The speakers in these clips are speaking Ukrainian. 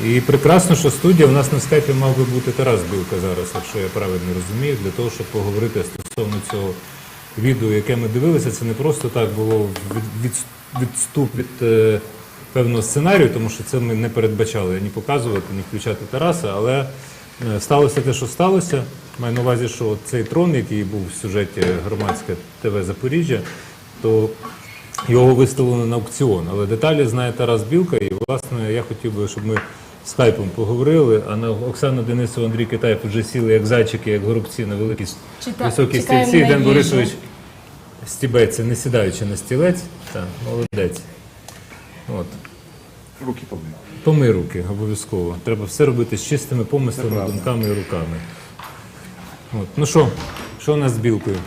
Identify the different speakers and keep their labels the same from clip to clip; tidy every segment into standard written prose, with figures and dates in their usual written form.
Speaker 1: І прекрасно, що студія, у нас на скайпі мав би бути Тарас Білка зараз, якщо я правильно розумію, для того, щоб поговорити стосовно цього відео, яке ми дивилися. Це не просто так було відступ від певного сценарію, тому що це ми не передбачали ні показувати, ні включати Тараса, але сталося те, що сталося. Маю на увазі, що цей трон, який був в сюжеті Громадське ТВ Запоріжжя, то його виставлено на аукціон. Але деталі знає Тарас Білка, і, власне, я хотів би, щоб ми скайпом поговорили, а на Оксану Денисову, Андрій Китаєв вже сіли як зайчики, як горобці на великій високій стільці. Ден Борисович стібеться, не сідаючи на стілець. Так, молодець. От.
Speaker 2: Руки помий.
Speaker 1: Помий руки, обов'язково. Треба все робити з чистими помислами, думками і руками. От. Ну що у нас з Білкою?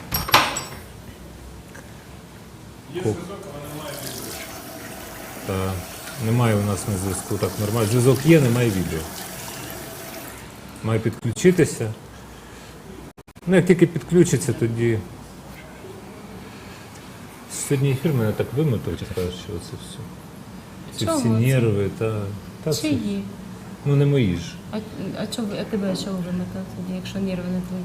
Speaker 3: Є зв'язок, але немає відео.
Speaker 1: Немає у нас на зв'язку, так нормально. Зв'язок є, немає відео. Має підключитися. Ну, як тільки підключиться, тоді... Сьогодні ефір мене так вимотав, чесно кажучи, оце все. Ці всі нерви,
Speaker 4: Чиї?
Speaker 1: Ну, не мої ж.
Speaker 4: А тебе чого вимотав тоді, якщо нерви не твої?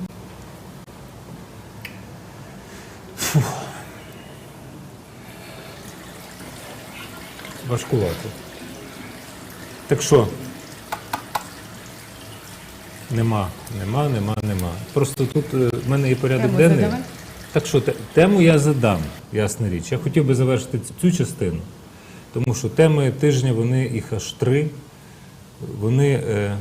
Speaker 1: Важкувато. Так що? Нема. Просто тут в мене є порядок денний.
Speaker 4: Задавай.
Speaker 1: Так що, тему я задам, ясна річ. Я хотів би завершити цю частину, тому що теми тижня, вони їх аж 3. Вони,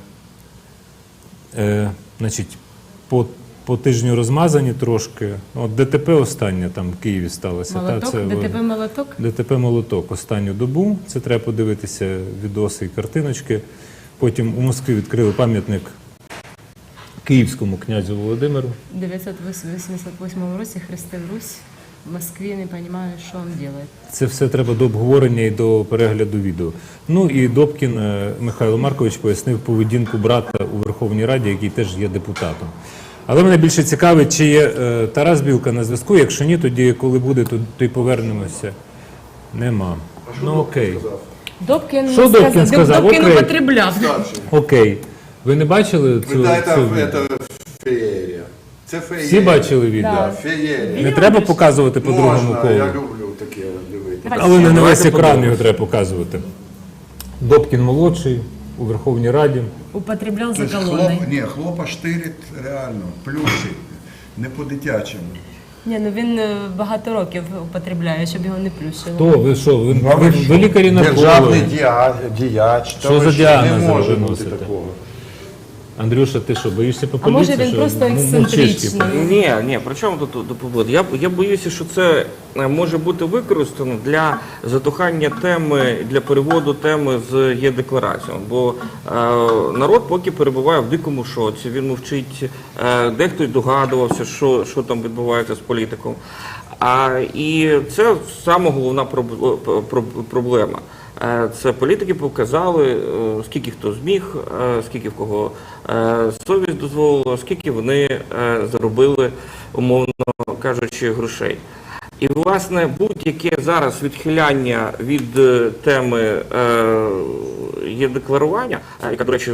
Speaker 1: значить, по тижню розмазані трошки. От ДТП остання там в Києві сталося.
Speaker 4: Молоток? ДТП-молоток?
Speaker 1: ДТП-молоток останню добу. Це треба подивитися відоси і картиночки. Потім у Москві відкрили пам'ятник київському князю Володимиру.
Speaker 4: В 988 році хрестив Русь. В Москві не розумію, що він робить.
Speaker 1: Це все треба до обговорення і до перегляду відео. Ну і Добкін Михайло Маркович пояснив поведінку брата у Верховній Раді, який теж є депутатом. Але мене більше цікавить, чи є Тарас Білка на зв'язку. Якщо ні, тоді коли буде, то й повернемося. Нема. Ну окей.
Speaker 4: Що
Speaker 1: Добкін сказав?
Speaker 4: Добкін
Speaker 1: Окей.
Speaker 4: употребляв.
Speaker 1: Окей. Ви не бачили цю відео?
Speaker 2: Це феєрія. Це феєрія.
Speaker 1: Всі бачили відео?
Speaker 4: Да.
Speaker 2: Феєрія.
Speaker 1: Не треба показувати по другому
Speaker 2: Можна,
Speaker 1: колу.
Speaker 2: я люблю таке дивитися.
Speaker 1: Але не на весь екран його треба показувати. Добкін молодший у Верховній Раді.
Speaker 4: Употребляв за
Speaker 2: Тобто
Speaker 4: колоною.
Speaker 2: хлопа штирить реально, плющить, не по-дитячому.
Speaker 4: Ні, ну він багато років употребляє, щоб його не плющило.
Speaker 1: То ви що? Ви лікарі
Speaker 2: Державний
Speaker 1: наркологи.
Speaker 2: діяч.
Speaker 1: Що за діагнози
Speaker 2: не може
Speaker 1: ви
Speaker 2: бути
Speaker 1: носите?
Speaker 2: такого.
Speaker 1: Андрюша, ти що, боїшся
Speaker 4: А
Speaker 1: попадутися?
Speaker 4: може він просто ексцентричний?
Speaker 5: Ні, при чому тут побут? Я боюся, що це може бути використано для затухання теми, для переводу теми з є-декларацією. Бо народ поки перебуває в дикому шоці, він мовчить, дехто й догадувався, що там відбувається з політиком. І це саме головна проблема. Це політики показали, скільки хто зміг, скільки в кого совість дозволила, скільки вони заробили, умовно кажучи, грошей. І, власне, будь-яке зараз відхиляння від теми є-декларування, яка, до речі,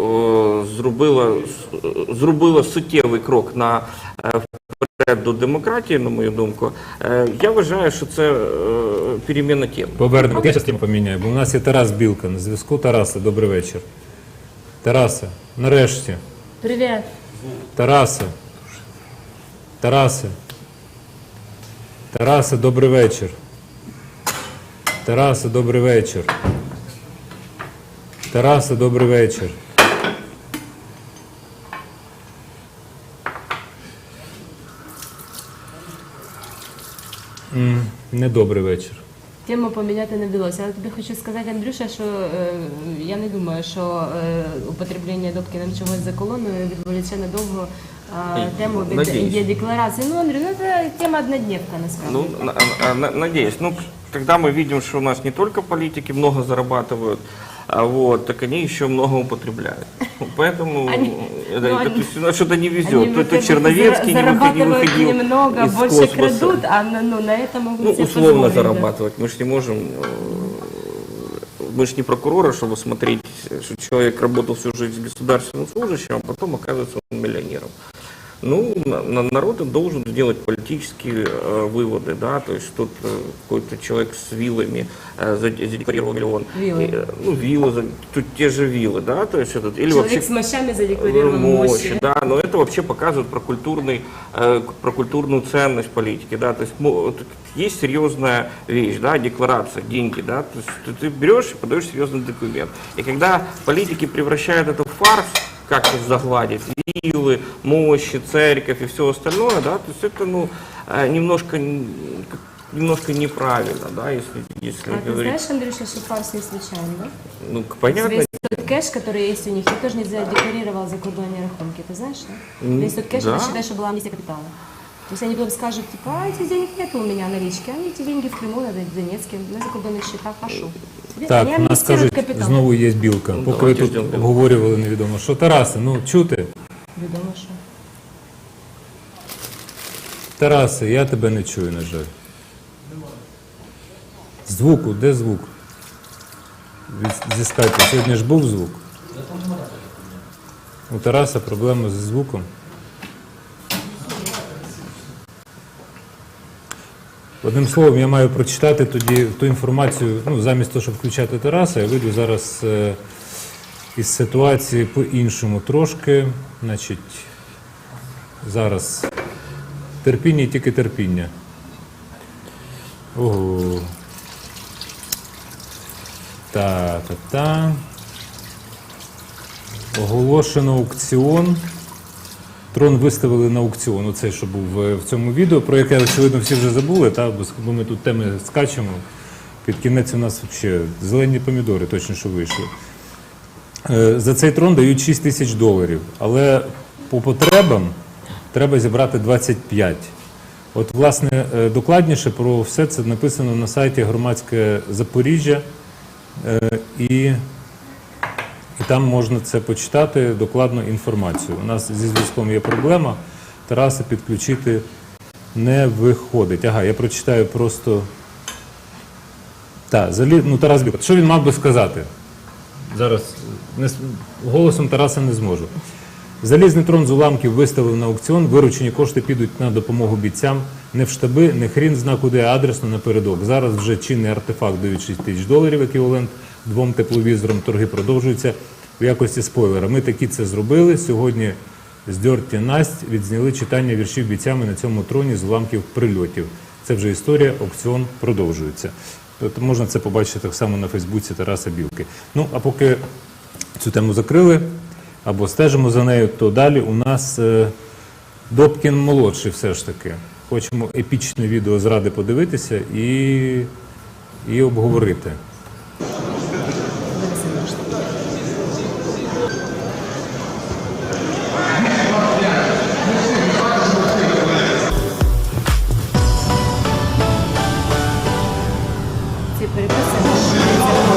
Speaker 5: зробила суттєвий крок до демократії, на мою думку, я вважаю, що це переміна теми.
Speaker 1: Повернемо, я зараз тему поміняю, бо у нас є Тарас Білка на зв'язку. Тарасе, добрий вечір. Тарасе, нарешті.
Speaker 4: Привіт.
Speaker 1: Тарасе. Тарасе. Тарасе, добрий вечір. Тарасе, добрий вечір. Тарасе, добрий вечір. Недобрий вечір.
Speaker 4: Тему поміняти не вдалося. Але тобі хочу сказати, Андрюша, що я не думаю, що употреблення Добкіном чогось за колоною відволіче надовго тему від є-декларації. Ну, Андрій, це тема однодневка, насправді.
Speaker 5: Ну, надеюсь. Ну, когда мы видим, что у нас не только политики много зарабатывают, так они еще много употребляют. Поэтому что-то не везет. То Черновецкий не выходил
Speaker 4: немного,
Speaker 5: из
Speaker 4: больше
Speaker 5: космоса.
Speaker 4: крадут, а на это могут себе
Speaker 5: условно
Speaker 4: позволить, да.
Speaker 5: зарабатывать. Мы же не можем мы же не прокуроры, чтобы смотреть, что человек работал всю жизнь государственным служащим, а потом оказывается он миллионером. Ну, народ должен делать политические выводы, да, то есть тут какой-то человек с виллами задекларировал миллион.
Speaker 4: Виллы.
Speaker 5: Ну, виллы, тут те же виллы, да, то есть этот, или
Speaker 4: Человек
Speaker 5: вообще
Speaker 4: с мощами задекларировал мощи.
Speaker 5: да, но это вообще показывает про культурную ценность политики, да, то есть есть серьезная вещь, да, декларация, деньги, да, то есть ты берешь и подаешь серьезный документ. И когда политики превращают это в фарс, как-то загладить виллы, мощи, церковь и все остальное, да, то есть это, ну, немножко неправильно, да, если
Speaker 4: А ты
Speaker 5: говорить.
Speaker 4: знаешь, Андрюша, что фарс не случайно, да?
Speaker 5: Ну, понятно.
Speaker 4: Весь тот кэш, который есть у них, никто же не задекларировал закордонные рахунки, ты знаешь, да? Весь тот кэш,
Speaker 5: да.
Speaker 4: это считай, что была амнистия капитала. То есть они потом скажут, типа, а этих денег нет у меня налички, они эти деньги в Криму, в Донецке, на закордонных счетах, пошу.
Speaker 1: Так,
Speaker 4: Они
Speaker 1: у нас
Speaker 4: амнистируют
Speaker 1: кажуть,
Speaker 4: капітал.
Speaker 1: знову є білка.
Speaker 5: Ну,
Speaker 1: Поки ви
Speaker 5: давайте
Speaker 1: тут
Speaker 5: ждемо білку.
Speaker 1: обговорювали невідомо. Що, Тарасе, ну чути?
Speaker 4: Відомо, що.
Speaker 1: Тарасе, я тебе не чую, на жаль. Звуку, де звук? Зі скайпу. Сьогодні ж був звук. У Тараса проблема зі звуком. Одним словом, я маю прочитати тоді ту інформацію, ну, замість того, щоб включати Тараса, я вийду зараз із ситуації по-іншому трошки. Значить, зараз терпіння і тільки терпіння. Ого. Та-та-та. Оголошено аукціон. Трон виставили на аукціон, оцей, що був в цьому відео, про яке, очевидно, всі вже забули, та? Бо ми тут теми скачемо. Під кінець у нас взагалі зелені помідори точно, що вийшли. За цей трон дають $6 000, але по потребам треба зібрати 25. От, власне, докладніше про все це написано на сайті Громадське Запоріжжя, і там можна це почитати, докладну інформацію. У нас зі зв'язком є проблема, Тараса підключити не виходить. Ага, я прочитаю просто... Так, Тарас Білка. Що він мав би сказати? Зараз голосом Тараса не зможу. Залізний трон з уламків виставив на аукціон, виручені кошти підуть на допомогу бійцям. Не в штаби, не хрін зна куди, а адресно напередок. Зараз вже чинний артефакт дають $6 000, еквівалент 2 тепловізорам. Торги продовжуються в якості спойлера. Ми такі це зробили. Сьогодні здьорті Насть відзняли читання віршів бійцями на цьому троні з уламків прильотів. Це вже історія, аукціон продовжується. Тобто можна це побачити так само на Фейсбуці Тараса Білки. Ну, а поки цю тему закрили, або стежимо за нею, то далі у нас Добкін молодший все ж таки. Хочемо епічне відео з Ради подивитися і обговорити.
Speaker 4: Ці переписи,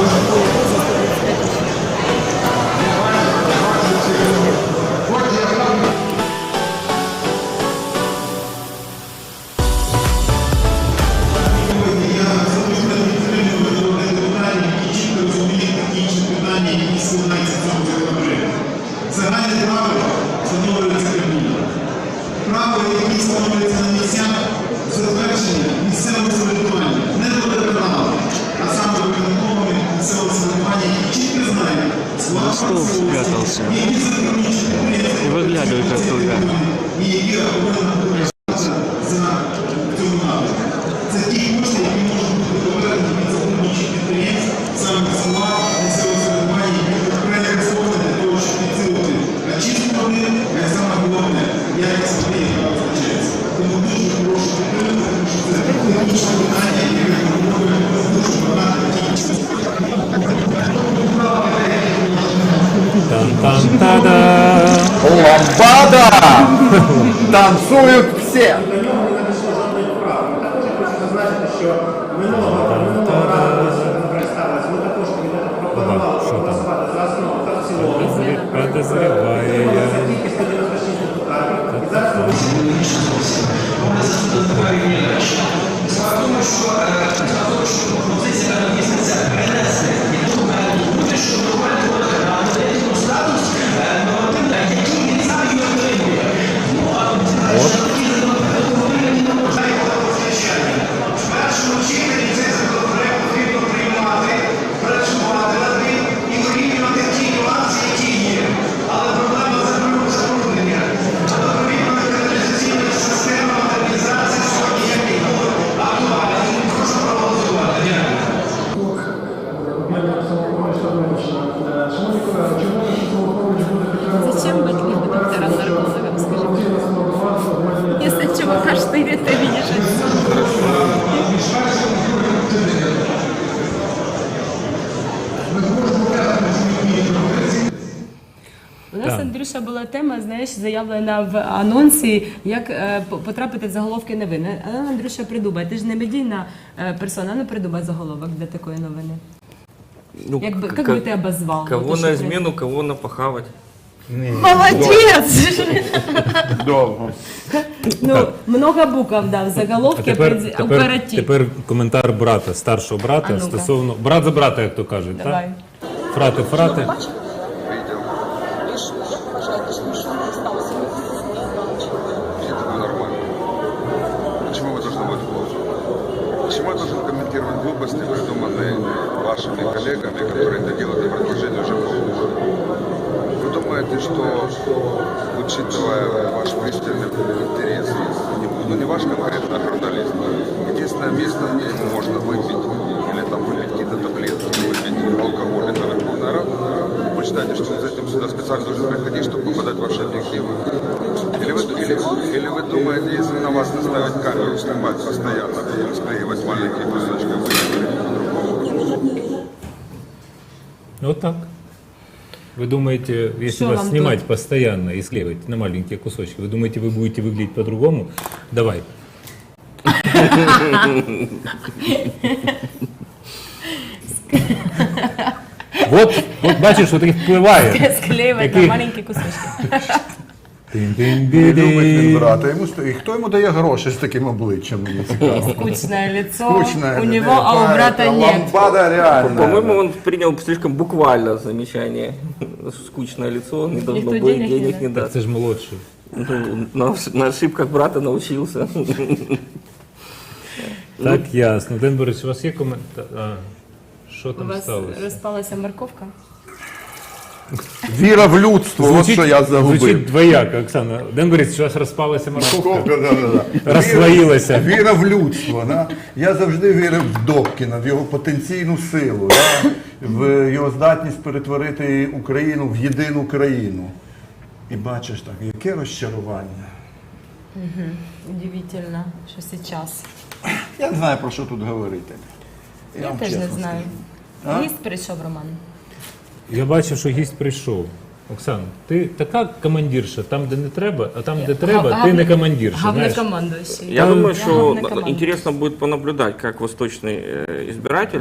Speaker 6: Загальне право встановлюється Кабміном. Право, які встановлюються на місцях, затвердження місцевого самоврядування, не до водоканалу, а саме виконкомами місцевого самоврядування, які чітко знають склад
Speaker 7: спрятался и выглядывает оттуда.
Speaker 6: і які повинні знаходитися за цього напрямку. Це ті кошти, які можуть бути повернені від законодавчих підприємств, саме села, місцевого самоврядування, які окремо використовують для того, щоб підсилити очистку води, а саме головне, якість води, яка визначається. Тому дуже прошу підтримати, тому що це технічне питання, яке потребує дуже багато технічних.
Speaker 1: Там-там-та-да!
Speaker 8: Ламбада! Танцуют все!
Speaker 1: Що там? Подозріває я.
Speaker 9: Справа в тому, що пропозиція місяця перенесення
Speaker 4: Андрюша, була тема, знаєш, заявлена в анонсі, як потрапити в заголовки новин. А Андрюша, придумай, ти ж не медійна персона, ну придумай заголовок для такої новини.
Speaker 5: Ну,
Speaker 4: Як би ти обозвав?
Speaker 5: Кого
Speaker 4: Вот,
Speaker 5: на
Speaker 4: що
Speaker 5: измену, кого напахавать.
Speaker 4: Молодець!
Speaker 8: Довго.
Speaker 4: Ну, много букв дав, заголовки, оператив.
Speaker 1: тепер коментар брата, старшого брата,
Speaker 4: А ну-ка.
Speaker 1: стосовно брат за брата, як то кажуть,
Speaker 4: Давай.
Speaker 1: так? Фрати.
Speaker 9: Это нормально. Почему вы должны быть плохо? Почему я должен комментировать глупости, придуманные вашими коллегами, которые это делают на протяжении уже полгода? Вы думаете, что, учитывая ваш пристальный интерес, ну не ваш конкретно, а журналист, единственное место, где ему можно выпить или там выпить какие-то таблетки, выпить алкоголь, это Верховная Рада, вы считаете, что он за этим сюда специально должен приходить, чтобы попадать в ваши объективы? Или вы думаете, если на вас наставить камеру, снимать постоянно, потом склеивать маленькие кусочки, вы будете по-другому?
Speaker 1: Вот так. Вы думаете, если
Speaker 4: Что
Speaker 1: вас
Speaker 4: вам
Speaker 1: снимать
Speaker 4: тут?
Speaker 1: постоянно и склеивать на маленькие кусочки, вы думаете, вы будете выглядеть по-другому? Давай. Вот бачиш, що таки впливає.
Speaker 4: Склеювати на
Speaker 1: Який-
Speaker 4: маленькі кусочки.
Speaker 8: Не любить він брата. І хто йому дає гроші з таким обличчям, мені цікаво.
Speaker 4: Скучное лицо
Speaker 8: Скучная
Speaker 4: у
Speaker 8: это,
Speaker 4: него, а у брата нет.
Speaker 8: Лампада реально.
Speaker 5: По-моему, он принял слишком буквально замечание. Скучное лицо, не должно
Speaker 4: Никто
Speaker 5: быть,
Speaker 4: денег не
Speaker 5: денег
Speaker 4: даст.
Speaker 5: не даст.
Speaker 1: Це ж молодший.
Speaker 5: Ну, на ошибках брата научился.
Speaker 1: Так, ясно. Ден Борисович, у вас є коментар? Що
Speaker 4: У
Speaker 1: там
Speaker 4: вас
Speaker 1: сталося?
Speaker 4: розпалася морковка?
Speaker 8: Віра в людство, от що я загубив.
Speaker 1: Звучить двояко, Оксана. Ден Борисович, у вас розпалася морковка?
Speaker 8: Морковка, да.
Speaker 1: Розслоїлася.
Speaker 8: Віра в людство. Да? Я завжди вірив в Добкіна, в його потенційну силу, да? в його здатність перетворити Україну в єдину країну. І бачиш так, яке розчарування.
Speaker 4: Удивительно, що зараз.
Speaker 8: Я не знаю, про що тут говорити.
Speaker 4: Я
Speaker 8: вам
Speaker 4: теж не
Speaker 8: чесно
Speaker 4: знаю.
Speaker 8: А?
Speaker 4: Гість прийшов, Роман.
Speaker 1: Я бачив, що гість прийшов. Оксана, ти така командирша, там, де не треба, а там, де треба, ти не командирша. знаєш.
Speaker 4: Главнокомандующий.
Speaker 5: Я думаю, что
Speaker 4: главнокомандующий.
Speaker 5: интересно будет понаблюдать, как восточный избиратель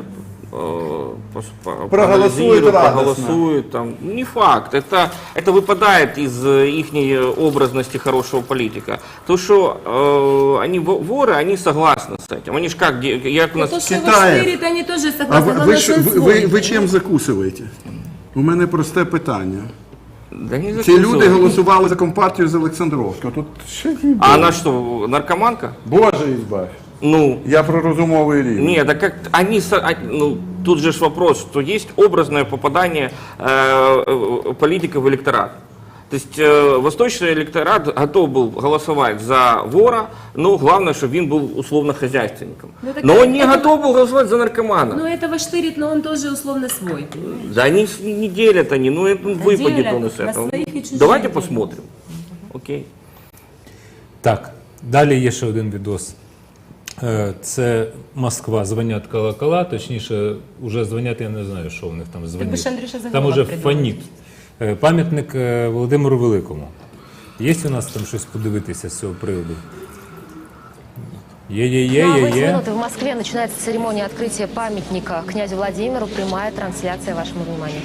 Speaker 8: Проголосует радостно.
Speaker 5: проголосует. Там. Не факт. Это выпадает из их образности хорошего политика. То, что они воры, они согласны с этим. Они ж как, як у нас...
Speaker 4: То, що ви
Speaker 8: Китаєв.
Speaker 4: штирите, вони теж
Speaker 8: А
Speaker 4: согласні,
Speaker 8: ви,
Speaker 4: главное, що
Speaker 8: ви чим закусуєте? У мене просте питання.
Speaker 5: Да не
Speaker 8: Ці люди
Speaker 5: закусывают.
Speaker 8: голосували за компартію з Олександровського. Тут ще ні.
Speaker 5: А она что, наркоманка?
Speaker 8: Боже ізбавь.
Speaker 5: Ну,
Speaker 8: Я про розумовий рівень.
Speaker 5: нет, а как они, ну, тут же ж вопрос, что есть образное попадание политика в электорат. То есть восточный электорат готов был голосовать за вора, но главное, чтобы он был условно хозяйственником.
Speaker 4: Ну, так
Speaker 5: Но он не
Speaker 4: это-
Speaker 5: готов был голосовать за наркомана.
Speaker 4: Ну, этого штырит, но он тоже условно свой, понимаешь?
Speaker 5: Да они не делят они, ну это выпадет
Speaker 4: делят,
Speaker 5: он из
Speaker 4: на
Speaker 5: этого.
Speaker 4: своих и чужих
Speaker 5: Давайте
Speaker 4: делят.
Speaker 5: посмотрим. Окей.
Speaker 1: Так, далі є ще один відос. Це Москва, дзвонять колокола, точніше, вже дзвонять, я не знаю, що в них там
Speaker 4: би
Speaker 1: дзвонять.
Speaker 4: ж, Андрюша,
Speaker 1: Там
Speaker 4: заголовок
Speaker 1: уже
Speaker 4: придумав.
Speaker 1: фаніт. Пам'ятник Володимиру Великому. Є у нас там щось подивитися з цього приводу?
Speaker 10: Ну, а в эти
Speaker 1: Є.
Speaker 10: минуты в Москве начинается церемония открытия памятника князю Владимиру. Прямая трансляция вашему вниманию.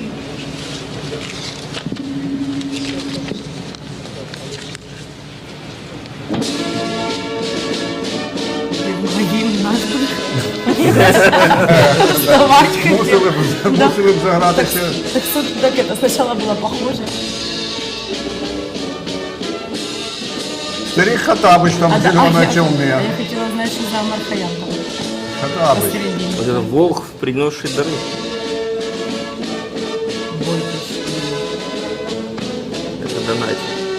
Speaker 8: Мусили б загратися.
Speaker 4: Так это сначала было похоже.
Speaker 8: Старик Хатабыч там в зеленой
Speaker 4: А
Speaker 8: челме.
Speaker 4: я хотела знать, что за Мархаян там
Speaker 8: Хатабыч.
Speaker 4: посередине.
Speaker 5: Вот это волк, принесший дары. Это донать.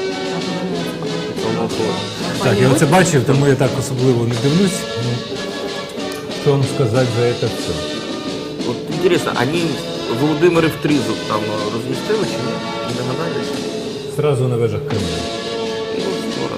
Speaker 5: Это уходит.
Speaker 1: Так, я оце бачив, тому я так особливо не дивлюсь. Ну, що вам сказати за це все?
Speaker 5: Вот интересно, они Володимири в Тризуб там разместили чи ні? Не догадались?
Speaker 1: Зразу на вежах Кремля.
Speaker 5: Ну, скоро.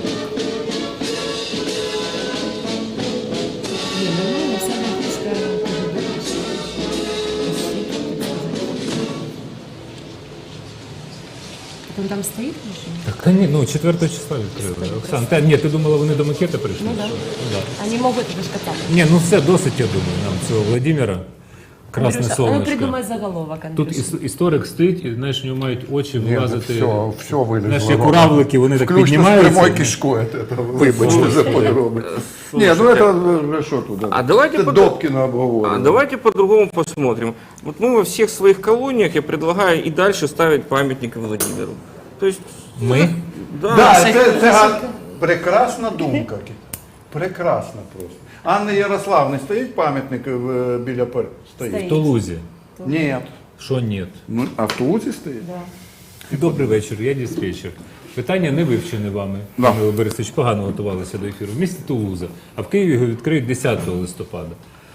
Speaker 4: Не, ну, самая фишка КГБ, Потом там стоїть?
Speaker 1: Так, та ні, ну 4 числа відкрили. Оксан, ні, ти думала, вони до макета прийшли?
Speaker 4: Ну да.
Speaker 1: Ну, да.
Speaker 4: Вони можуть это ж катати.
Speaker 1: Ні, ну все, досить, я думаю, нам цього Владимира. Красне
Speaker 4: Андрюша, а ну
Speaker 1: сонечко.
Speaker 4: придумай заголовок,
Speaker 1: Тут
Speaker 4: Андрюша.
Speaker 1: історик стоїть, і знаєш, у нього мають очі вилазити.
Speaker 8: все вилізло.
Speaker 1: Знаєш, як уравлики, вони так
Speaker 8: Включно
Speaker 1: піднімаються.
Speaker 8: з прямой кишкою. Вибачте за подробиці. Ні, ну це вже що тут?
Speaker 5: А давайте
Speaker 8: Це
Speaker 5: под-
Speaker 8: Добкіна обговорювали.
Speaker 5: Давайте по-другому посмотрим. Вот мы во всех своих колониях, я предлагаю и дальше ставить памятники Владимиру. То есть,
Speaker 1: Ми?
Speaker 5: да,
Speaker 8: Да, це прекрасна думка. Прекрасна просто. Анни Ярославни стоїть пам'ятник біля стоїть?
Speaker 1: В Тулузі.
Speaker 8: Ні.
Speaker 1: Що ні?
Speaker 8: Ну, а в Тулузі стоїть?
Speaker 1: Добрий вечір, я диспетчер. Питання не вивчене вами,
Speaker 8: Да.
Speaker 1: Михайло Борисович, погано готувалися до ефіру. В місті Тулуза, а в Києві його відкриють 10 листопада.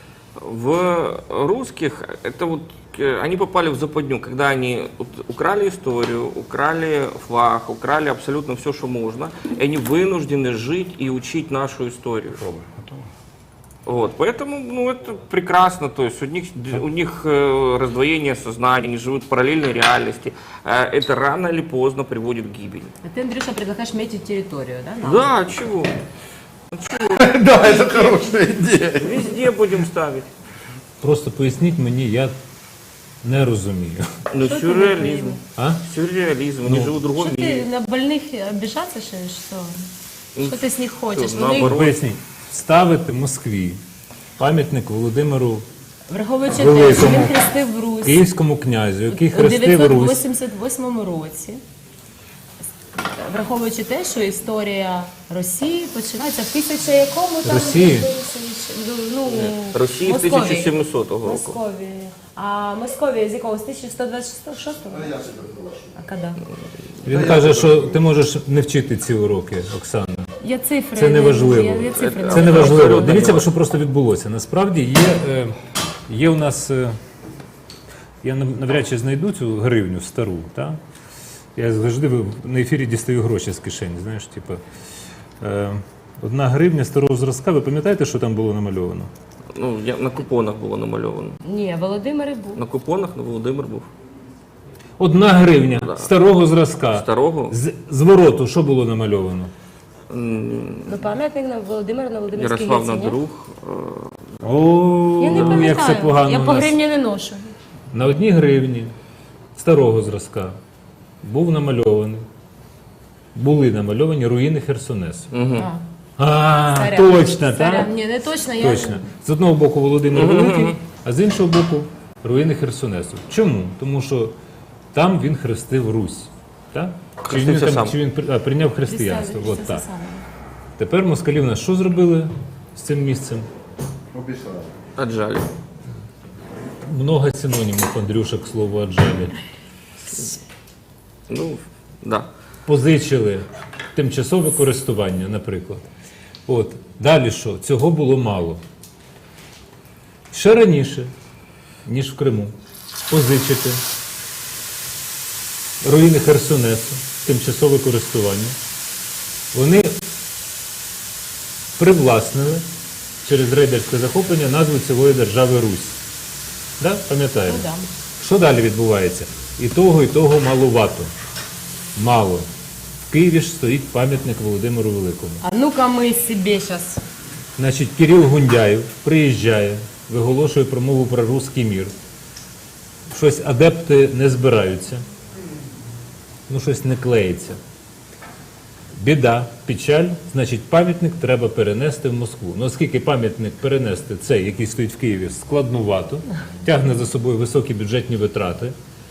Speaker 5: в русских, это вот они попали в западню, когда они украли историю, украли флаг, украли абсолютно все, что можно, и они вынуждены жить и учить нашу историю. Вот, поэтому, ну, это прекрасно, то есть у них раздвоение сознания, они живут в параллельной реальности, это рано или поздно приводит к гибели.
Speaker 4: А ты, Андрюша, предлагаешь метить территорию, да? нам?
Speaker 5: Да, чего?
Speaker 8: Да, це хороша ідея.
Speaker 5: Везде будем ставить.
Speaker 1: Просто поясніть мені, я не розумію.
Speaker 5: Ну, сюрреализм.
Speaker 1: А?
Speaker 5: Сюрреализм, они живут в другом
Speaker 4: Что
Speaker 5: мире.
Speaker 4: ты на больных обижаться, что ли, что? Что ты с них хочешь?
Speaker 5: Что,
Speaker 4: Вони,
Speaker 5: наоборот.
Speaker 1: Поясніть, ставити Москві пам'ятник Володимиру
Speaker 4: враховуючи те, що
Speaker 1: Великому.
Speaker 4: він хрестив Русь
Speaker 1: Київському князю, який
Speaker 4: у
Speaker 1: хрестив Русь.
Speaker 4: 988 році, враховуючи те, що історія Росії починається в 1000 якому там?
Speaker 1: Росії?
Speaker 4: Ну,
Speaker 5: Росії з
Speaker 4: Московії.
Speaker 5: 1700 року.
Speaker 4: Московії. А Московія з якого? З 1126-го? А коли?
Speaker 1: Він каже, що ти можеш не вчити ці уроки, Оксана.
Speaker 4: Я цифри.
Speaker 1: Це не важливо.
Speaker 4: Я цифри
Speaker 1: Це не
Speaker 4: знаю.
Speaker 1: важливо. Дивіться, що просто відбулося. Насправді є у нас. Я навряд чи знайду цю гривню стару. Та? Я завжди на ефірі дістаю гроші з кишені. Знаєш, типу, 1 гривня старого зразка. Ви пам'ятаєте, що там було намальовано?
Speaker 5: Ну, на купонах було намальовано.
Speaker 4: Ні, Володимир і був.
Speaker 5: На купонах на Володимир був.
Speaker 1: 1 гривня старого зразка.
Speaker 5: Старого?
Speaker 1: З вороту що було намальовано?
Speaker 4: Ну, пам'ятник на Володимира на Володимирській
Speaker 5: Ярославна
Speaker 4: гірці, ні?
Speaker 5: Друг.
Speaker 1: О,
Speaker 4: Я не
Speaker 1: як
Speaker 4: пам'ятаю.
Speaker 1: це погано
Speaker 4: Я
Speaker 1: у
Speaker 4: по
Speaker 1: нас.
Speaker 4: гривні не ношу.
Speaker 1: На 1 гривні старого зразка був намальований, були намальовані руїни Херсонесу. А,
Speaker 4: Царя.
Speaker 1: точно,
Speaker 4: Царя.
Speaker 1: так?
Speaker 4: Ні, не точно. Я...
Speaker 1: Точно. З одного боку Володимир Великий, а з іншого боку руїни Херсонесу. Чому? Тому що там він хрестив Русь. Так?
Speaker 5: Хрестився сам.
Speaker 1: Чи він прийняв християнство?
Speaker 4: Христос,
Speaker 1: От так.
Speaker 4: це саме.
Speaker 1: Тепер москалі в нас що зробили з цим місцем?
Speaker 8: Обіцяю.
Speaker 5: Отжали.
Speaker 1: Много синонімів, Андрюша, к слову, «аджалі».
Speaker 5: Ну, да.
Speaker 1: Позичили тимчасове користування, наприклад. От. Далі що? Цього було мало. Ще раніше, ніж в Криму, позичити руїни Херсонесу, тимчасове користування. Вони привласнили через рейдерське захоплення назву цілої держави Русь. Да? Пам'ятаємо?
Speaker 4: Ну, да.
Speaker 1: Що далі відбувається? І того маловато. Мало. В Києві ж стоїть пам'ятник Володимиру Великому.
Speaker 4: А ну-ка ми собі зараз.
Speaker 1: Значить, Кирил Гундяєв приїжджає, виголошує промову про руський мір. Щось адепти не збираються. Ну, щось не клеїться. Біда, печаль, значить, пам'ятник треба перенести в Москву. Ну, оскільки пам'ятник перенести цей, який стоїть в Києві, складнувато, тягне за собою високі бюджетні витрати.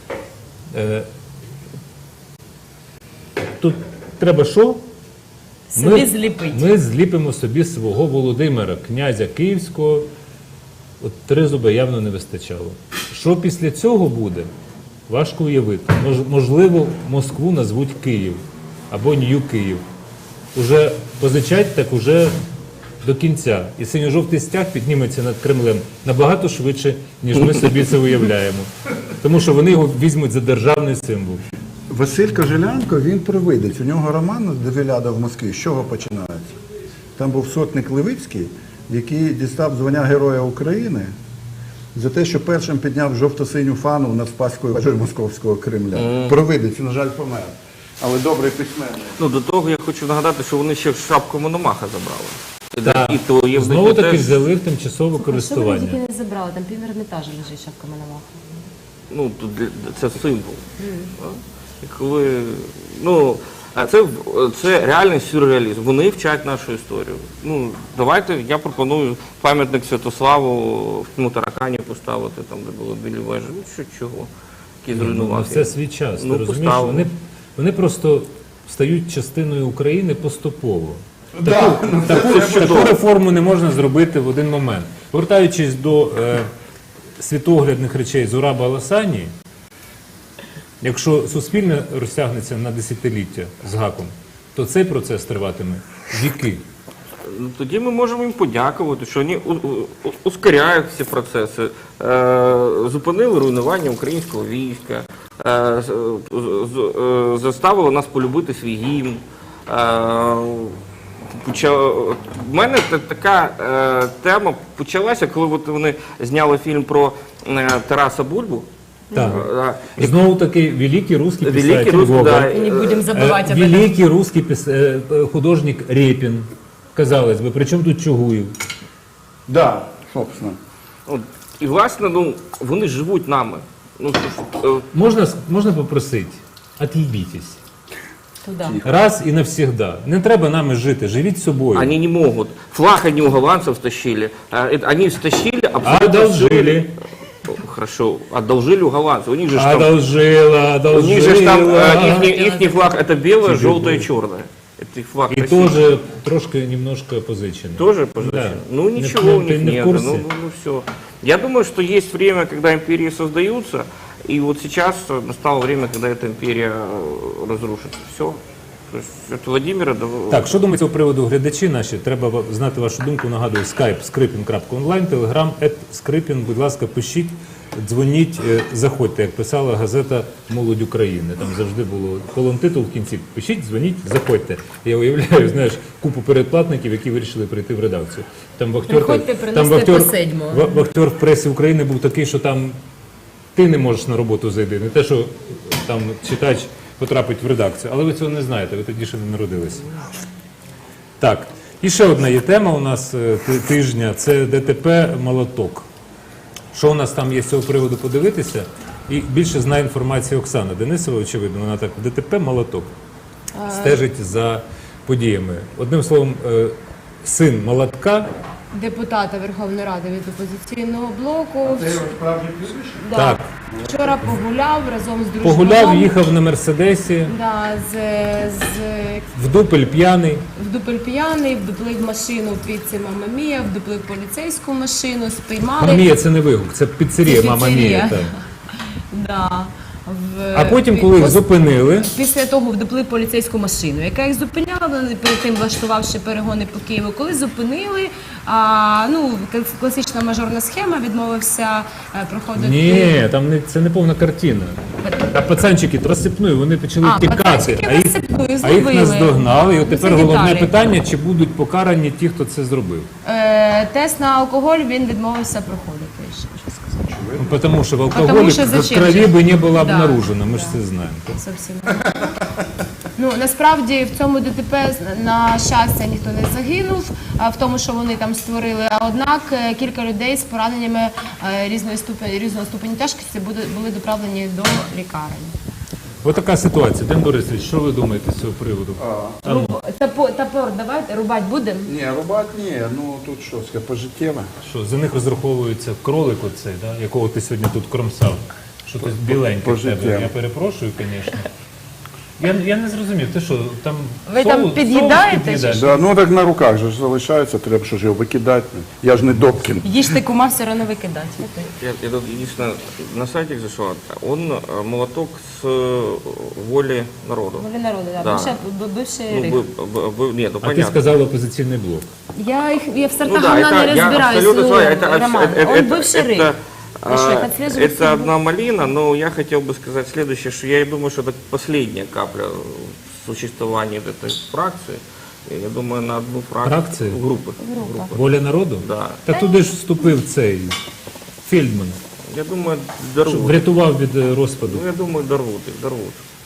Speaker 1: Тут треба що?
Speaker 4: Собі зліпить.
Speaker 1: Ми зліпимо собі свого Володимира, князя Київського. От тризуба явно не вистачало. Що після цього буде, важко уявити. Можливо, Москву назвуть Київ або Нью-Київ. Уже позичать, так уже до кінця. І синьо-жовтий стяг підніметься над Кремлем набагато швидше, ніж ми собі це уявляємо. Тому що вони його візьмуть за державний символ.
Speaker 8: Василь Кожелянко, він провидець. У нього роман «Девіляда в Москві». З чого починається? Там був сотник Левицький, який дістав звання Героя України за те, що першим підняв жовто-синю фану над Спаською вежею Московського Кремля. Провидець, на жаль, помер. Але добрий письменник.
Speaker 5: Ну, до того я хочу нагадати, що вони ще шапку Мономаха забрали.
Speaker 1: Так.
Speaker 5: І то є в
Speaker 1: Знову
Speaker 5: них
Speaker 1: таки
Speaker 5: теж,
Speaker 1: взяли в тимчасове
Speaker 4: Що вони
Speaker 1: користування.
Speaker 4: тільки не забрали? Там пів Ермітажа лежить шапка Мономаха.
Speaker 5: ну, це символ. І коли, ну, а це реальний сюрреалізм. Вони вчать нашу історію. Ну, давайте, я пропоную пам'ятник Святославу в Тмутаракані поставити, там, де були білі вежі. Ну, чого? Які
Speaker 1: Ну,
Speaker 5: зруйнувати.
Speaker 1: все свій час.
Speaker 5: Ну,
Speaker 1: Ти розумієш?
Speaker 5: поставили.
Speaker 1: Вони просто стають частиною України поступово.
Speaker 8: Да,
Speaker 1: Таку реформу не можна зробити в один момент. Повертаючись до світоглядних речей Зураба Аласані, якщо суспільне розтягнеться на десятиліття з гаком, то цей процес триватиме віки.
Speaker 5: Ну, тоді ми можемо їм подякувати, що вони ускоряють всі процеси, зупинили руйнування українського війська, заставили нас полюбити свій гімн. В мене така тема почалася, коли от вони зняли фільм про Тараса Бульбу.
Speaker 1: Так. Знову таки, великий русский
Speaker 5: Великий
Speaker 1: писатель
Speaker 5: русский,
Speaker 1: Гоголь.
Speaker 5: да.
Speaker 4: И не будем забывать об этом.
Speaker 1: Великий русский художник Репін, казалось би. Причому тут Чугуєв?
Speaker 8: Да, собственно.
Speaker 5: От, і, власне, ну, вони живуть нами. Ну,
Speaker 1: Можна попросити? От'їбітесь.
Speaker 4: Туда.
Speaker 1: Раз і навсегда. Не треба нами жити, живіть собою.
Speaker 5: они не могут. Флаг они у голландцев стащили. Они стащили абсолютно...
Speaker 1: Одолжили.
Speaker 5: Хорошо, одолжили у голландцев. У них же ж там...
Speaker 1: Одолжила,
Speaker 5: У них же ж там
Speaker 1: одолжила.
Speaker 5: ихний флаг это белое, желтое, черное. Это их флаг
Speaker 1: І
Speaker 5: России.
Speaker 1: теж трошки немножко позичений.
Speaker 5: Тоже пожалуйста.
Speaker 1: Да.
Speaker 5: Ну ничего у
Speaker 1: Ты
Speaker 5: них
Speaker 1: не в
Speaker 5: нет.
Speaker 1: курсе?
Speaker 5: Ну все. Я думаю, что есть время, когда империи создаются, и вот сейчас настало время, когда эта империя разрушится. Все. То есть от Владимира до...
Speaker 1: Так, що думають з цього приводу глядачі наші? Треба знати вашу думку. Нагадую, skype skripin.online, telegram @skripin. Будь ласка, пишіть, дзвоніть, заходьте, як писала газета «Молодь України». Там завжди було колонтитул в кінці. Пишіть, дзвоніть, заходьте. Я уявляю, знаєш, купу передплатників, які вирішили прийти в редакцію. Там
Speaker 4: Приходьте, приносите по седьмого.
Speaker 1: вахтер в пресі України був такий, що там ти не можеш на роботу зайти. Не те, що там читач потрапить в редакцію. Але ви цього не знаєте, ви тоді ще не народилися. Так, і ще одна є тема у нас тижня, це ДТП «Молоток». Що у нас там є з цього приводу подивитися? І більше знає інформації Оксана Денисова, очевидно, вона так, ДТП «Молоток» стежить за подіями. Одним словом, син Молотка,
Speaker 4: Депутата Верховної Ради від опозиційного блоку. Да.
Speaker 1: Так.
Speaker 4: Вчора погуляв разом з дружком.
Speaker 1: погуляв, їхав на Мерседесі,
Speaker 4: Да,
Speaker 1: в дупель п'яний.
Speaker 4: вдупель п'яний, вдуплив машину під це Мама Мія, вдуплив поліцейську машину, спіймали.
Speaker 1: Мама Мія – це не вигук, це піцерія
Speaker 4: Це
Speaker 1: Мама
Speaker 4: піцерія.
Speaker 1: Мія. Так.
Speaker 4: Да.
Speaker 1: А потім, коли їх зупинили,
Speaker 4: Після того вдуплив поліцейську машину, яка їх зупиняла, перед тим влаштувавши перегони по Києву. Коли зупинили, класична мажорна схема, відмовився проходити.
Speaker 1: ні, там це не повна картина. А пацанчики розсипною, вони почали тікати,
Speaker 4: пацанчики розсипною,
Speaker 1: а їх
Speaker 4: зловили.
Speaker 1: наздогнали. І от
Speaker 4: Це
Speaker 1: тепер головне
Speaker 4: деталі.
Speaker 1: питання, чи будуть покарані ті, хто це зробив.
Speaker 4: Тест на алкоголь він відмовився проходити. Ще щось сказати.
Speaker 1: Ну, тому що в алкоголі
Speaker 4: Потому що
Speaker 1: в
Speaker 4: зачем
Speaker 1: крові
Speaker 4: же?
Speaker 1: би не було
Speaker 4: Да,
Speaker 1: обнаружено, ми ж
Speaker 4: да.
Speaker 1: це знаємо.
Speaker 4: Зовсім. Ну, насправді в цьому ДТП, на щастя, ніхто не загинув, в тому, що вони там створили. А однак кілька людей з пораненнями різного ступені тяжкості були доправлені до лікарень.
Speaker 1: Ось така ситуація. Ден Борисович, що ви думаєте з цього приводу?
Speaker 4: Топор давайте, рубати будемо?
Speaker 8: Ні, рубати ні, ну тут що, це пожиттєве.
Speaker 1: Що, за них розраховується кролик оцей, да? Якого ти сьогодні тут кромсав? Що ти біленький в тебе?
Speaker 8: Пожиттєво.
Speaker 1: Я перепрошую, звісно. Я не зрозумів, ти що, там
Speaker 4: Ви там під'їдаєте чи
Speaker 8: Да, ну так на руках же ж залишається, треба що ж його викидати. Я ж не Добкін.
Speaker 4: Їжте кума, все одно викидати.
Speaker 5: Я тут единственное на сайтик зашел. Он молоток с воли народу.
Speaker 4: Волі народу, да.
Speaker 5: Да.
Speaker 4: Бивший
Speaker 5: Ну,
Speaker 4: рих.
Speaker 5: нет, ну
Speaker 1: А ти
Speaker 5: понятно.
Speaker 1: сказав опозиційний блок.
Speaker 4: Я в сортах
Speaker 5: Ну да,
Speaker 4: говна не
Speaker 5: я
Speaker 4: разбираюсь,
Speaker 5: абсолютно с вами.
Speaker 4: Роман. Он бывший рык. Вы что, их отслеживаете?
Speaker 5: Это одна малина, но я хотел бы сказать следующее, что я думаю, что это последняя капля в существовании этой фракции. Я думаю, на одну
Speaker 1: Фракцію?
Speaker 5: группы.
Speaker 1: Воля народу?
Speaker 5: Да.
Speaker 1: Та туди ж вступив цей Фельдман,
Speaker 5: Я думаю,
Speaker 1: щоб
Speaker 5: дорвут.
Speaker 1: врятував від розпаду.
Speaker 5: Ну, я думаю, дорвут их, дорвут.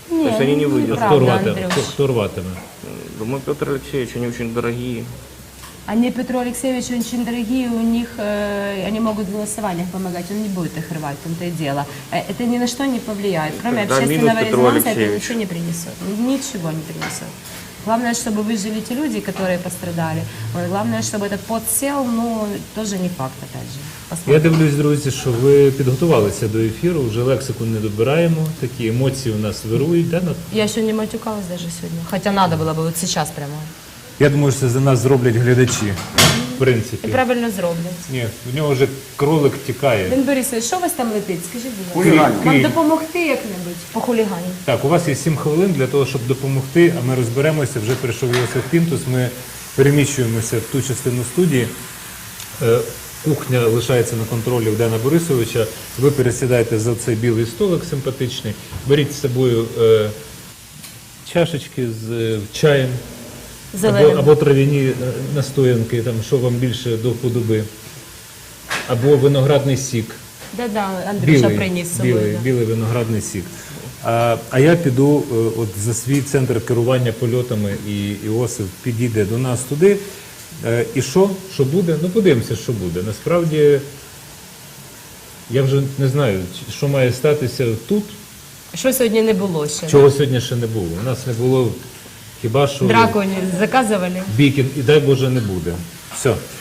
Speaker 4: Ні,
Speaker 5: То есть они не выйдут.
Speaker 1: Хто
Speaker 4: правда,
Speaker 1: рватиме?
Speaker 4: Андрюш.
Speaker 1: Хто рватиме?
Speaker 5: Думаю, Петр Алексеевич, они очень дорогие.
Speaker 4: Они Петру Алексеевичу очень дорогие, у них, они могут в голосованиях помогать, он не будет их рвать, в том-то и дело. Это ни на что не повлияет, кроме
Speaker 5: Тогда
Speaker 4: общественного
Speaker 5: минус Петру
Speaker 4: резонанса, это
Speaker 5: Алексеевичу.
Speaker 4: ничего не принесет, ничего не принесет. Главное, чтобы выжили те люди, которые пострадали. Вот, главное, чтобы этот подсел, ну, тоже не факт, опять же.
Speaker 1: Я
Speaker 4: Посмотрим.
Speaker 1: дивлюсь, друзі, що ви підготувалися до ефіру, вже лексику не добираємо, такі емоції у нас вирують. Да?
Speaker 4: Я еще не матюкалась даже сегодня, хотя надо было бы вот сейчас прямо.
Speaker 1: Я думаю, що це за нас зроблять глядачі, в
Speaker 4: І
Speaker 1: принципі.
Speaker 4: правильно зроблять.
Speaker 1: Ні, в нього вже кролик тікає.
Speaker 4: Ден Борисович, що у вас там летить? Скажіть, будь ласка.
Speaker 2: Хуліганів.
Speaker 4: Вам допомогти як-небудь по хулігані?
Speaker 1: Так, у вас є 7 хвилин для того, щоб допомогти, а ми розберемося. Вже прийшов Йосиф Пінтус, ми переміщуємося в ту частину студії. Кухня лишається на контролі у Дена Борисовича. Ви пересідаєте за цей білий столик симпатичний, беріть з собою чашечки з чаєм
Speaker 4: Зеленим.
Speaker 1: або трав'яні настоянки, там, що вам більше до вподоби, або виноградний сік.
Speaker 4: Да-да, Андрюша приніс з собою. да.
Speaker 1: Білий виноградний сік. А я піду от за свій центр керування польотами, і Іосиф підійде до нас туди. І що? Що буде? Ну, подивимося, що буде. Насправді, я вже не знаю, що має статися тут,
Speaker 4: Що сьогодні не було ще?
Speaker 1: чого сьогодні ще не було. У нас не було хіба що
Speaker 4: Драконів заказували?
Speaker 1: бійки, і дай Боже не буде. Все.